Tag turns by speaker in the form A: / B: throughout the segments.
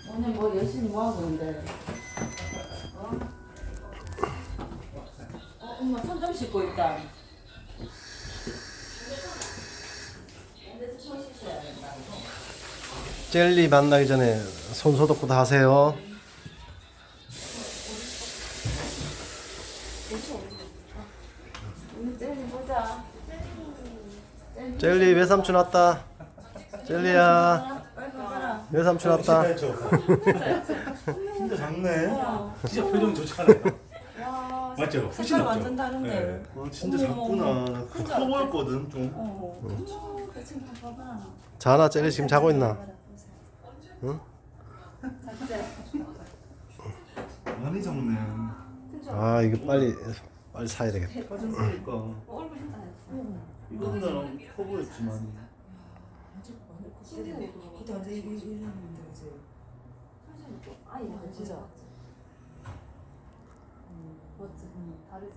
A: 오늘 뭐 열심히 뭐 하고 있는데? 엄마 손 좀 씻고 있다.
B: 젤리 만나기 전에 손 소독부터 하세요.
A: 오늘 젤리 보자.
B: 젤리 외삼촌 왔다. 젤리야,
A: 빨리 가봐라.
B: 외삼촌 왔다.
C: 진짜 작네.
D: 진짜 표정 좋지 않아요?
A: 와,
D: 맞죠? 훨씬
A: 색깔
D: 낫죠?
A: 완전 다른데.
D: 네.
C: 진짜
A: 어머,
C: 작구나. 커 보였거든 좀.
A: 그 친구 봐봐.
B: 자나 젤리 지금 자고 있나? 응?
C: 많이 작네.
B: 아 이거 빨리 사야 되겠다.
C: 빠졌으니까.
A: 얼굴 좀 다.
C: 이거보다는 커 보였지만.
A: 그때 완전 이랬는데 그지? 아니 진짜. 맞지? 다르지?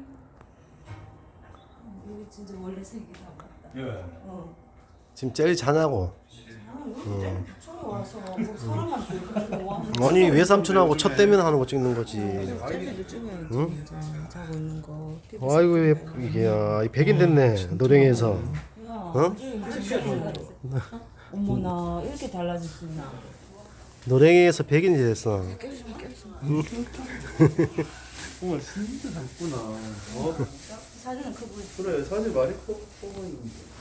A: 이게 진짜 원래 색이 다 맞다.
D: 예.
B: 지금 젤리 자냐고.
A: 처음 와서 뭐 사람한테 이렇게 와.
B: 아니 외삼촌하고 첫 대면 하는 거 찍는 거지.
A: 젤리를 찍어야지.
B: 응?
A: 자고 있는 거.
B: 아이고 이게 야, 100인 됐네 노랭이에서.
A: 어? 어머나 이렇게 달라졌구나.
B: 노랭이에서 100인이 됐어.
C: 정말 진짜 작구나.
A: 사진은 커 보이지.
C: 그래 사실 많이 커 보이는데.